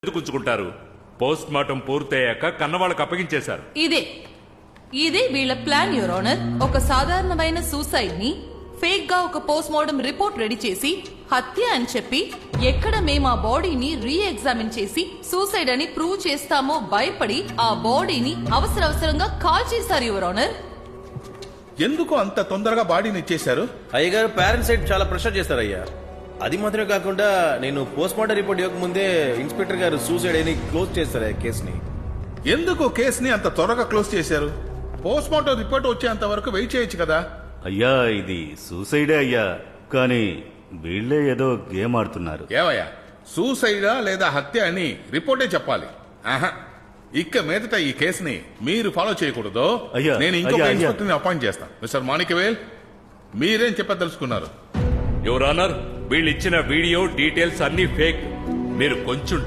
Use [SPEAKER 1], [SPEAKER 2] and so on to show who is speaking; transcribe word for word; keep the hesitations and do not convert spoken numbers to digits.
[SPEAKER 1] ఎందుకుంచుకుంటారు? Post mortem పూర్తయ్యాక కన్నవాళ్ళకి అప్పగించేశారు.
[SPEAKER 2] ఇదే ఇదే వీళ్ళ ప్లాన్ యువర్ ఆనర్. ఒక సాధారణమైన సూసైడ్ ని ఫేక్ గా ఒక పోస్ట్ మార్టం రిపోర్ట్ రెడీ చేసి హత్య అని చెప్పి ఎక్కడ మేము ఆ బాడీని రీ ఎగ్జామిన్ చేసి సూసైడ్ అని ప్రూవ్ చేస్తామో భయపడి ఆ బాడీని అవసర అవసరంగా కాల్ చేశారు యువర్ ఆనర్.
[SPEAKER 3] ఎందుకు అంత తొందరగా బాడీని ఇచ్చేశారు?
[SPEAKER 4] అయ్యగారు పేరెంట్స్ సైడ్ చాలా ప్రెషర్ చేస్తారు అయ్యా. అది మాత్రమే కాకుండా నేను పోస్ట్ మార్టం రిపోర్ట్ ఇవ్వకముందే ఇన్స్పెక్టర్ గారు సూసైడ్ అని క్లోజ్ చేస్తారు ఆ కేసుని.
[SPEAKER 3] ఎందుకు కేసుని అంత త్వరగా క్లోజ్ చేశారు? పోస్ట్ మార్టం రిపోర్ట్ వచ్చేంత వరకు వెయిట్ చేయొచ్చు కదా.
[SPEAKER 5] అయ్యా ఇది సూసైడే అయ్యా, కానీ వీళ్ళే ఏదో గేమ్ ఆడుతున్నారు.
[SPEAKER 3] ఏవయ్యా, సూసైడా లేదా హత్య అని రిపోర్టే చెప్పాలి. ఆహా, ఇక్క మీదట ఈ కేసుని మీరు ఫాలో చేయకూడదు.
[SPEAKER 5] అయ్యా,
[SPEAKER 3] నేను ఇంకొక
[SPEAKER 5] అయ్యా, అయ్యా.
[SPEAKER 3] ఇన్స్పెక్టర్ ని అపాయింట్ చేస్తాను. మిస్టర్ మాణిక్యవేల్, మీరేం చెప్పదలుచుకున్నారు?
[SPEAKER 1] యువర్ ఆనర్, వీళ్ళు ఇచ్చిన వీడియో డీటెయిల్స్ అన్ని ఫేక్. మీరు కొంచెం